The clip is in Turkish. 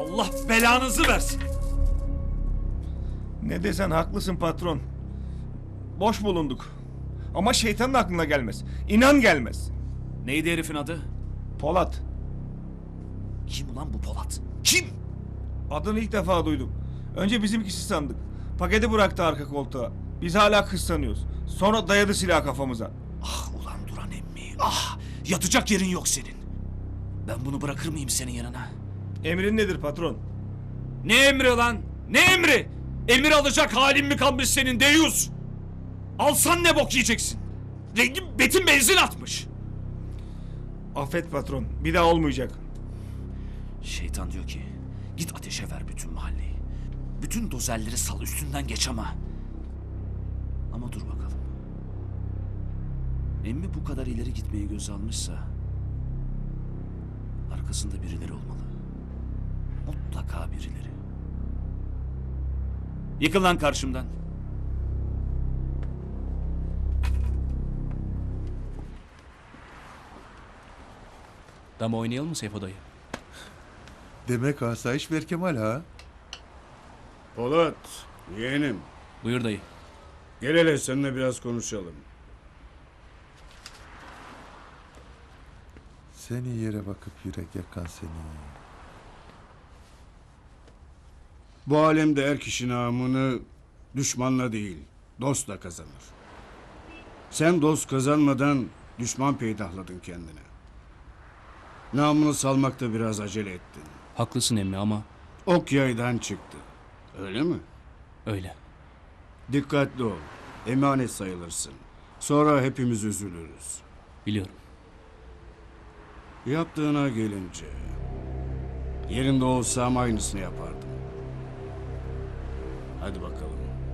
Allah belanızı versin. Ne desen haklısın patron. Boş bulunduk. Ama şeytanın aklına gelmez. İnan gelmez. Neydi herifin adı? Polat. Kim ulan bu Polat? Kim? Adını ilk defa duydum. Önce bizimkisi sandık. Paketi bıraktı arka koltuğa. Biz hala kız sanıyoruz. Sonra dayadı silah kafamıza. Ah ulan Duran emmi. Ah! Yatacak yerin yok senin. Ben bunu bırakır mıyım senin yanına? Emrin nedir patron? Ne emri lan? Ne emri? Emir alacak halin mi kalmış senin deyus? Alsan ne bok yiyeceksin? Rengin betin benzin atmış. Affet patron. Bir daha olmayacak. Şeytan diyor ki git ateşe ver bütün mahalleyi. Bütün dozerleri sal üstünden geç ama. Ama dur bakalım. Emmi bu kadar ileri gitmeyi göze almışsa arkasında birileri olmalı. Mutlaka birileri. Yıkıl lan karşımdan. Dama oynayalım mı Seyfo dayı? Demek asayiş Berkemal ha? Polat, yeğenim. Buyur dayı. Gel hele seninle biraz konuşalım. Seni yere bakıp yürek yakan seni. Bu alemde er kişi namını düşmanla değil, dostla kazanır. Sen dost kazanmadan düşman peydahladın kendine. Namını salmakta biraz acele ettin. Haklısın emmi ama Ok yaydan çıktı. Öyle mi? öyle. Dikkatli ol. Emanet sayılırsın. Sonra hepimiz üzülürüz. Biliyorum. Yaptığına gelince... Yerinde olsam aynısını yapardım. Hadi bakalım.